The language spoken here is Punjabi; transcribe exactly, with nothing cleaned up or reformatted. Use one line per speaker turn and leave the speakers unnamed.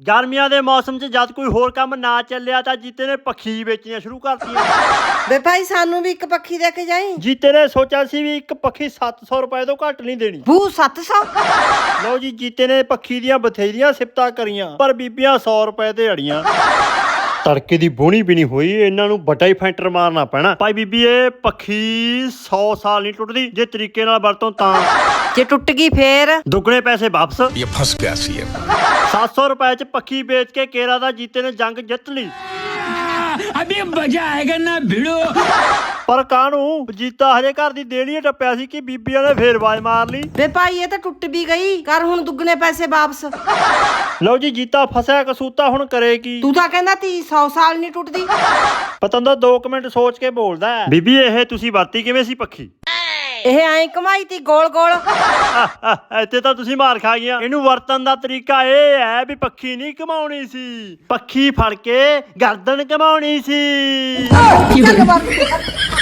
ਗਰਮੀਆਂ ਦੇ ਮੌਸਮ 'ਚ ਜਦ ਕੋਈ ਹੋਰ ਕੰਮ ਨਾ ਚੱਲਿਆ ਤਾਂ ਜੀਤੇ ਨੇ ਪੱਖੀ ਵੇਚਣੀਆਂ ਸ਼ੁਰੂ ਕਰਤੀਆਂ।
ਵੇ ਭਾਈ ਸਾਨੂੰ ਵੀ ਇੱਕ ਪੱਖੀ ਦੇ ਕੇ ਜਾਈ।
ਜੀਤੇ ਨੇ ਸੋਚਿਆ ਸੀ ਵੀ ਇੱਕ ਪੱਖੀ ਸੱਤ ਸੌ ਰੁਪਏ ਤੋਂ ਘੱਟ ਨਹੀਂ ਦੇਣੀ।
ਬੂ ਸੱਤ ਸੌ।
ਲਓ ਜੀ, ਜੀਤੇ ਨੇ ਪੱਖੀ ਦੀਆਂ ਬਥੇਰੀਆਂ ਸਿਫਤਾਂ ਕਰੀਆਂ ਪਰ ਬੀਬੀਆਂ ਸੌ ਰੁਪਏ ਤੇ ਅੜੀਆਂ। ਤੜਕੇ ਦੀ ਬੋਣੀ ਵੀ ਨਹੀਂ ਹੋਈ, ਇਹਨਾਂ ਨੂੰ ਵੱਡਾ ਹੀ ਫੈਂਟਰ ਮਾਰਨਾ ਪੈਣਾ। ਭਾਈ ਬੀਬੀ, ਇਹ ਪੱਖੀ ਸੌ ਸਾਲ ਨਹੀਂ ਟੁੱਟਦੀ ਜੇ ਤਰੀਕੇ ਨਾਲ ਵਰਤੋਂ ਤਾਂ।
ਜੇ ਟੁੱਟ ਗਈ ਫੇਰ
ਦੁੱਗਣੇ ਪੈਸੇ ਵਾਪਸ।
ਇਹ ਫਸ ਗਿਆ ਸੀ ਇਹ।
ਸੱਤ ਸੌ ਰੁਪਏ 'ਚ ਪੱਖੀ ਵੇਚ ਕੇ ਕੇਰਾ ਦਾ ਜੀਤੇ ਨੇ ਜੰਗ ਜਿੱਤ ਲਈ।
अभी मजा आएगा ना भिड़ो।
ਪਰ ਕਾਹਨੂੰ, ਜੀਤਾ ਹਜੇ ਘਰ ਦੀ ਦੇਣੀ ਟੱਪਿਆ ਸੀ ਕਿ ਬੀਬੀਆਂ ਨੇ ਫੇਰ ਆਵਾਜ਼ ਮਾਰ ਲਈ।
ਵੇ ਭਾਈ ਇਹ ਤਾਂ ਟੁੱਟ ਵੀ ਗਈ, ਕਰ ਹੁਣ ਦੁੱਗਣੇ ਪੈਸੇ ਵਾਪਸ।
ਲਓ ਜੀ, ਜੀਤਾ ਫਸਿਆ ਕਸੂਤਾ, ਹੁਣ ਕਰੇ ਕੀ?
ਤੂੰ ਤਾਂ ਕਹਿੰਦਾ ਤੀ ਸੌ ਸਾਲ ਨਹੀਂ ਟੁੱਟਦੀ।
ਪਤੰਦਰ ਦੋ ਕੁ ਮਿੰਟ ਸੋਚ ਕੇ ਬੋਲਦਾ। ਬੀਬੀ, ਇਹ ਤੁਸੀਂ ਵਰਤੀ ਕਿਵੇਂ ਸੀ ਪੱਖੀ?
ਇਹ ਐਂ ਕਮਾਈ ਤੀ ਗੋਲ ਗੋਲ।
ਇੱਥੇ ਤਾਂ ਤੁਸੀਂ ਮਾਰ ਖਾ ਗਈਆਂ। ਇਹਨੂੰ ਵਰਤਨ ਦਾ ਤਰੀਕਾ ਇਹ ਹੈ ਵੀ ਪੱਖੀ ਨਹੀਂ ਕਮਾਉਣੀ ਸੀ, ਪੱਖੀ ਫੜ ਕੇ ਗਰਦਨ ਕਮਾਉਣੀ ਸੀ।